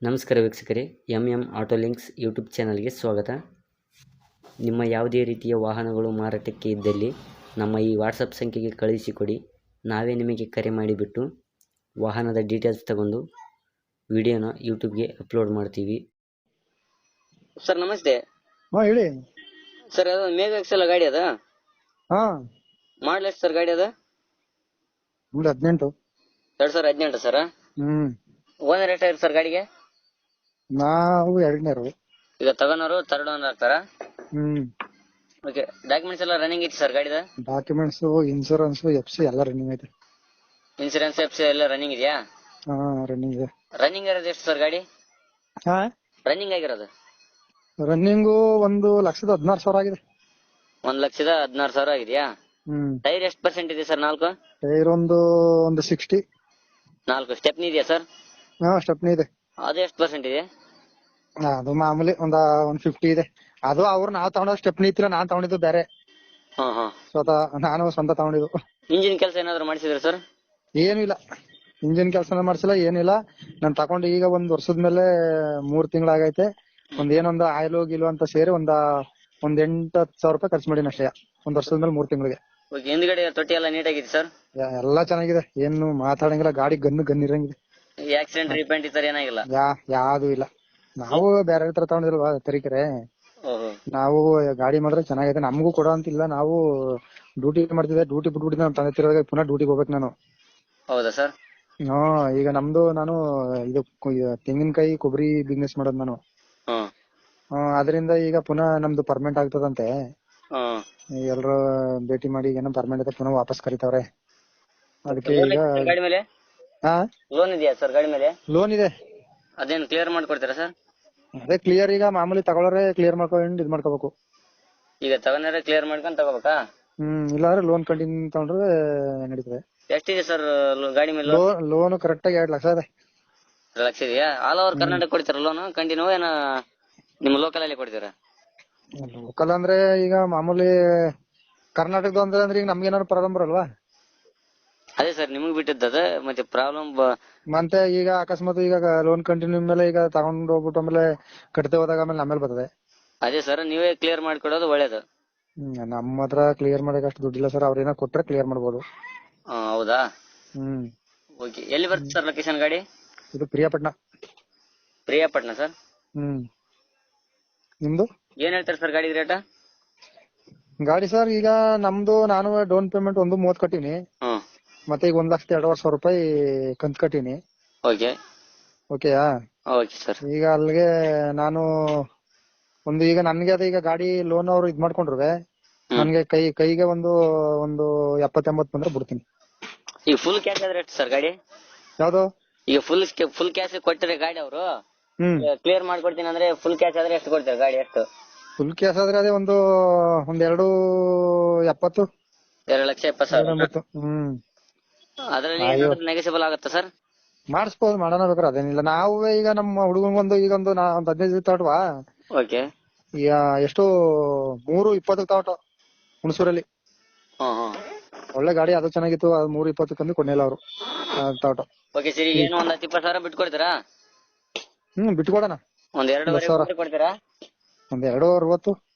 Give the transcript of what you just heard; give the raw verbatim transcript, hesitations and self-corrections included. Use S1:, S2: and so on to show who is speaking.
S1: ನಮಸ್ಕಾರ ವೀಕ್ಷಕರೇ, M M auto links YouTube ಚಾನಲ್ಗೆ ಸ್ವಾಗತ. ನಿಮ್ಮ ಯಾವುದೇ ರೀತಿಯ ವಾಹನಗಳು ಮಾರಾಟಕ್ಕೆ ಇದ್ದಲ್ಲಿ ನಮ್ಮ ಈ ವಾಟ್ಸಪ್ ಸಂಖ್ಯೆಗೆ ಕಳುಹಿಸಿಕೊಡಿ. ನಾವೇ ನಿಮಗೆ ಕರೆ ಮಾಡಿಬಿಟ್ಟು ವಾಹನದ ಡೀಟೇಲ್ಸ್ ತಗೊಂಡು ವಿಡಿಯೋನ ಯೂಟ್ಯೂಬ್ಗೆ ಅಪ್ಲೋಡ್ ಮಾಡ್ತೀವಿ.
S2: ಸರ್ ನಮಸ್ತೆ.
S3: ಹಾ ಹೇಳಿ
S2: ಸರ್ ಅದು ಮೇಘ ಎಕ್ಸೆಲ್ ಗಾಡಿ ಅದ
S3: ಹಾ
S2: ಮಾಡಲ್ ಎಷ್ಟು ಸರ್ ಗಾಡಿ ಅದ?
S3: ಒಂದು ಹದಿನೆಂಟು
S2: ಎರಡ್ ಸಾವಿರ ಹದಿನೆಂಟು ಸರ್.
S3: ಹ್ಮ್
S2: ಓನರ್ ಎಷ್ಟಾಗಿದೆ ಸರ್ ಗಾಡಿಗೆ?
S3: ನಾವು ಎರಡನೇರು.
S2: ಈಗ ತಗೋನವರು ತರ್ಡ್ ಓನರ್ ಆಗ್ತಾರ?
S3: Hmm
S2: okay. ಡಾಕ್ಯುಮೆಂಟ್ಸ್ ಎಲ್ಲ ರನ್ನಿಂಗ್ ಐತಿ ಸರ್ ಗಾಡಿದ?
S3: ಡಾಕ್ಯುಮೆಂಟ್ಸ್, ಇನ್ಸೂರೆನ್ಸ್, ಎಫ್ ಸಿ ಎಲ್ಲ ರನ್ನಿಂಗ್ ಐತೆ.
S2: ಇನ್ಸೂರೆನ್ಸ್ ಎಫ್ ಸಿ ಎಲ್ಲ ರನ್ನಿಂಗ್ ಇದೆಯಾ?
S3: ಹಾ ರನ್ನಿಂಗ್ ಇದೆ.
S2: ರನ್ನಿಂಗ್ ಇರೋದು ಎಷ್ಟು ಸರ್ ಗಾಡಿ?
S3: ಹಾ
S2: ರನ್ನಿಂಗ್ ಆಗಿರೋದು
S3: ರನ್ನಿಂಗು ಒಂದು ಲಕ್ಷದ ಹದಿನಾರು ಸಾವಿರ ಆಗಿದೆ.
S2: ಒಂದ್ ಲಕ್ಷದ ಹದಿನಾರು ಸಾವಿರ ಆಗಿದೆಯಾ?
S3: ಹ್ಮ್
S2: ಟೈರ್ ಎಷ್ಟು ಪರ್ಸೆಂಟ್ ಇದೆ ಸರ್? ನಾಲ್ಕು
S3: ಟೈರ್ ಒಂದು ಒಂದು ಸಿಕ್ಸ್ಟಿ.
S2: ನಾಲ್ಕು ಸ್ಟೆಪ್ನಿ ಇದೆಯಾ ಸರ್?
S3: ಹಾ ಸ್ಟೆಪ್ನಿ ಇದೆ.
S2: ಅದು ಎಷ್ಟು ಪರ್ಸೆಂಟ್ ಇದೆ?
S3: ಅದು ಮಾಮೂಲಿ ಒಂದ ಒಂದ್ ಫಿಫ್ಟಿ ಇದೆ. ಅದು ಅವ್ರು ನಾವ್ ತಗೊಂಡ ಸ್ಟೆಪ್ನಿ ಇತ್ತಿಲ್ಲ, ನಾನ್ ತಗೊಂಡಿದ್ದು ಬೇರೆ.
S2: ಹಾ ಹಾ
S3: ಸ್ವತಃ ನಾನು ಸ್ವಂತ ತಗೊಂಡಿದ್ದು.
S2: ಇಂಜಿನ್ ಕೆಲಸ ಏನಾದ್ರು ಮಾಡಿಸಿದ್ರ ಸರ್?
S3: ಏನು ಇಲ್ಲ, ಇಂಜಿನ್ ಕೆಲಸನ ಮಾಡ್ಸಿಲ್ಲ, ಏನಿಲ್ಲ. ನಾನ್ ತಗೊಂಡು ಈಗ ಒಂದ್ ವರ್ಷದ ಮೇಲೆ ಮೂರ್ ತಿಂಗಳಾಗೈತೆ. ಒಂದ್ ಏನೊಂದು ಆಯಿಲ್ ಗಿಲು ಅಂತ ಸೇರಿ ಒಂದ ಒಂದ್ ಎಂಟ್ ಹತ್ತು ಸಾವಿರ ರೂಪಾಯಿ ಖರ್ಚು ಮಾಡಿನ ಅಷ್ಟೇ ಒಂದ್ ವರ್ಷದ ಮೇಲೆ ಮೂರ್ ತಿಂಗಳಿಗೆ.
S2: ಓಕೆ. ಹಿಂದ್ಗಡೆ ತೊಟ್ಟಿ ಎಲ್ಲ ನೀಟಾಗಿದೆ ಸರ್?
S3: ಎಲ್ಲಾ ಚೆನ್ನಾಗಿದೆ, ಏನು ಮಾತಾಡಂಗಿಲ್ಲ. ಗಾಡಿ ಗನ್ ಗನ್ ಇರಂಗಿದೆ.
S2: ಆಕ್ಸಿಡೆಂಟ್ ರೀಪೇಂಟ್ ಈ ತರ ಏನಾಗಿಲ್ಲ?
S3: ಯಾ ಯಾವ್ದು ಇಲ್ಲ. ನಾವು ಬೇರೆ ತರ ತಗೊಂಡಿಲ್ವಾ ತರೀಕೆರೆ.
S2: ಓಹೋ.
S3: ನಾವು ಗಾಡಿ ಮಾಡಿದ್ರೆ ಚೆನ್ನಾಗೈತೆ, ನಮಗೂ ಕೊಡೋ ಅಂತಿಲ್ಲ. ನಾವು ಡ್ಯೂಟಿ ಮಾಡ್ತಿದ್ದೆ, ಡ್ಯೂಟಿ ಬಿಟ್ಬಿಟ್ಟಿದ್ದೆ. ನಾನು ತಂದೆ ತಿರುವಾಗ ಪುನಃ ಡ್ಯೂಟಿಗೆ ಹೋಗ್ಬೇಕು ನಾನು.
S2: ಹೌದಾ ಸರ್?
S3: ಹಾ ಈಗ ನಮ್ದು ನಾನು ಇದು ತೆಂಗಿನಕಾಯಿ ಕೊಬ್ಬರಿ ಬಿಸ್ನೆಸ್ ಮಾಡೋದು ನಾನು.
S2: ಹ್ಮ್
S3: ಅದರಿಂದ ಈಗ ಪುನಃ ನಮ್ದು ಪರ್ಮನೆಂಟ್ ಆಗ್ತದಂತೆ.
S2: ಹ್ಮ್
S3: ಎಲ್ರು ಭೇಟಿ ಮಾಡಿ ಏನೋ ಪರ್ಮನೆಂಟ್ ಆಯ್ತು, ಪುನಃ ವಾಪಸ್ ಕರೀತಾವ್ರೆ. ಅದಕ್ಕೆ
S2: ಲೋನ್
S3: ಈಗ
S2: ಐತೆ ಗಾಡಿ ಮೇಲೆ?
S3: ಹಾ
S2: ಲೋನ್ ಇದೆಯಾ ಸರ್ ಗಾಡಿ ಮೇಲೆ?
S3: ಲೋನ್ ಇದೆ.
S2: ಅದೇನು ಕ್ಲಿಯರ್ ಮಾಡ್ಕೊಡ್ತೀರಾ ಸರ್?
S3: ಅದೇ ಕ್ಲಿಯರ್, ಈಗ ಮಾಮೂಲಿ ತಗೊಳ್ಳೋರೆ ಕ್ಲಿಯರ್ ಮಾಡ್ಕೊಂಡು ಇದ್ ಮಾಡ್ಕೋಬೇಕು.
S2: ಈಗ ತಗೊಂಡ್ರೆ ಕ್ಲಿಯರ್ ಮಾಡ್ಕೊಂಡ್ ತಗೋಬೇಕಾ?
S3: ಹ್ಮ್ ಇಲ್ಲಾಂದ್ರೆ ಲೋನ್ ಕಂಟಿನ್ಯೂ ತಗೊಂಡ್ರೆ ನಡೀತದೆ.
S2: ಎಷ್ಟಿದೆ ಸರ್ ಗಾಡಿ ಮೇಲೆ?
S3: ಲೋನ್ ಕರೆಕ್ಟ್ ಆಗಿ ಎರಡ್ ಲಕ್ಷ ಇದೆ.
S2: ಎರಡು ಲಕ್ಷ ಇದೆಯಾ? ಆಲ್ ಓವರ್ ಕರ್ನಾಟಕ ಕೊಡ್ತೀರಾ ಲೋನ್ ಕಂಟಿನ್ಯೂ, ಏನ ನಿಮ್ಮ ಲೋಕಲ್ ಅಲ್ಲಿ ಕೊಡ್ತೀರಾ?
S3: ಲೋಕಲ್ ಅಂದ್ರೆ ಈಗ ಮಾಮೂಲಿ ಕರ್ನಾಟಕದ ಅಂದ್ರೆ ಅಂದ್ರೆ ಈಗ ನಮ್ಗೆ ಏನಾದ್ರು ಪ್ರಾಬ್ಲಮ್ ಬರಲ್ವಾ?
S2: ಅದೇ ಸರ್ ನಿಮಗ್ ಬಿಟ್ಟಿದ್ದದ ಮತ್ತೆ ಪ್ರಾಬ್ಲಮ್.
S3: ಮತ್ತೆ ಈಗ ಅಕಸ್ಮಾತ್ ಈಗ ಲೋನ್ ಕಂಟಿನ್ಯೂ ಮೇಲೆ ಈಗ ತಗೊಂಡ್ ಹೋಗ್ಬಿಟ್ಟು ಆಮೇಲೆ ಕಟ್ತೆ ಹೋದಾಗ ಆಮೇಲೆ ನಮ್ಮೇಲೆ ಬರ್ತದೆ.
S2: ಅದೇ ಸರ್ ನೀವೇ ಕ್ಲಿಯರ್ ಮಾಡ್ಕೊಡೋದು ಒಳ್ಳೇದು.
S3: ಹ್ಮ್ ನಮ್ಮ ಹತ್ರ ಕ್ಲಿಯರ್ ಮಾಡಕ್ ಅಷ್ಟು ದುಡ್ಡಿಲ್ಲ ಸರ್. ಅವ್ರೇನೋ ಕೊಟ್ರೆ ಕ್ಲಿಯರ್ ಮಾಡ್ಬೋದು.
S2: ಹೌದಾ?
S3: Hmm
S2: okay. ಎಲ್ಲಿ ಬರುತ್ತೆ ಸರ್ ಲೊಕೇಶನ್ ಗಾಡಿ?
S3: ಇದು ಪ್ರಿಯಾಪಟ್ನ.
S2: ಪ್ರಿಯಾಪಟ್ನ ಸರ್?
S3: ಹ್ಮ್ ನಿಮ್ದು
S2: ಏನ್ ಹೇಳ್ತಾರೆ ಸರ್ ಗಾಡಿ ರೇಟ್?
S3: ಗಾಡಿ ಸರ್ ಈಗ ನಮ್ದು ನಾನು ಡೌನ್ ಪೇಮೆಂಟ್ ಒಂದು ಮೂವತ್ ಕಟ್ಟಿನಿ.
S2: ಹ್ಮ್
S3: ಮತ್ತೆ ಈಗ ಒಂದ್ ಲಕ್ಷದ ಎರಡುವರೆ ಸಾವಿರ ರೂಪಾಯಿ ಕಂತ್ ಕಟ್ಟಿನಿ.
S2: ಓಕೆ
S3: ಓಕೆಯಾ?
S2: Okay sir.
S3: ಈಗ ಅಲ್ಲಿಗೆ ನಾನು ಒಂದು ಈಗ ನನ್ಗೆ ಅದೇ ಈಗ ಗಾಡಿ ಲೋನ್ ಅವ್ರು ಇದ್ ಮಾಡ್ಕೊಂಡ್ರೆ ನನ್ಗೆ ಕೈ ಕೈಗೆ ಒಂದು ಒಂದು ಎಪ್ಪತ್ ಎಂಬತ್ ಬಂದ್ರೆ ಬಿಡ್ತೀನಿ.
S2: ಈಗ ಫುಲ್ ಕ್ಯಾಶ್ ಆದ್ರೆ ಎಷ್ಟು ಸರ್ ಗಾಡಿ?
S3: ಯಾವ್ದು?
S2: ಈಗ ಫುಲ್ ಫುಲ್ ಕ್ಯಾಶ್ ಕೊಟ್ಟರೆ ಗಾಡಿ ಅವರು
S3: ಹ್ಮ್
S2: ಕ್ಲಿಯರ್ ಮಾಡ್ಕೊಡ್ತೀನಿ ಅಂದ್ರೆ ಫುಲ್ ಕ್ಯಾಶ್ ಆದ್ರೆ ಎಷ್ಟು ಕೊಡ್ತಾರೆ ಗಾಡಿ? ಎಷ್ಟು
S3: ಫುಲ್ ಕ್ಯಾಶ್ ಆದ್ರೆ ಅದೇ ಒಂದು ಒಂದ್ ಎರಡು ಎಪ್ಪತ್ತು
S2: ಎರಡು ಲಕ್ಷ ಎಪ್ಪತ್ತು ಸಾವಿರ?
S3: ಹ್ಮ್
S2: ಅದ್ರಲ್ಲಿ ನೆಗೆಸಿಬಲ್ ಆಗುತ್ತಾ ಸರ್?
S3: ಮಾಡಿಸ್ಬೋದು, ಮಾಡೋಣ ಬೇಕಾದ್ರೆ. ಅದೇನಿಲ್ಲ. ನಾವು ಈಗ ನಮ್ಮ ಹುಡುಗಂಗೊಂದು ಈಗ ಒಂದು ನಾ ಒಂದ್ ಹದಿನೈದು ತಗೊಟ್ವಾ.
S2: ಓಕೆ.
S3: ಈಗ ಎಷ್ಟು ಮೂರು ಇಪ್ಪತ್ತು ತಗೊಟ ಹುಣಸೂರಲ್ಲಿ.
S2: ಹ್ಮ್ ಹ್ಮ್
S3: ಒಳ್ಳೆ ಗಾಡಿ, ಅದು ಚೆನ್ನಾಗಿತ್ತು. ಅದು ಮೂರು ಇಪ್ಪತ್ತಕ್ಕಂದು ಕೊಡ್ಲಿಲ್ಲ ಅವರು ತಗೊಟ.
S2: Okay sir. ಈಗ ಏನು ಒಂದ್ ಹತ್ತು ಇಪ್ಪತ್ತು ಸಾವಿರ ಬಿಟ್ಕೊಡ್ತೀರಾ?
S3: ಹ್ಮ್ ಬಿಟ್ಕೊಡೋಣ.
S2: ಒಂದ್ ಎರಡೂವರೆ ಕೊಡ್ತೀರಾ?
S3: ಒಂದ್ ಎರಡು ಅರವತ್ತು.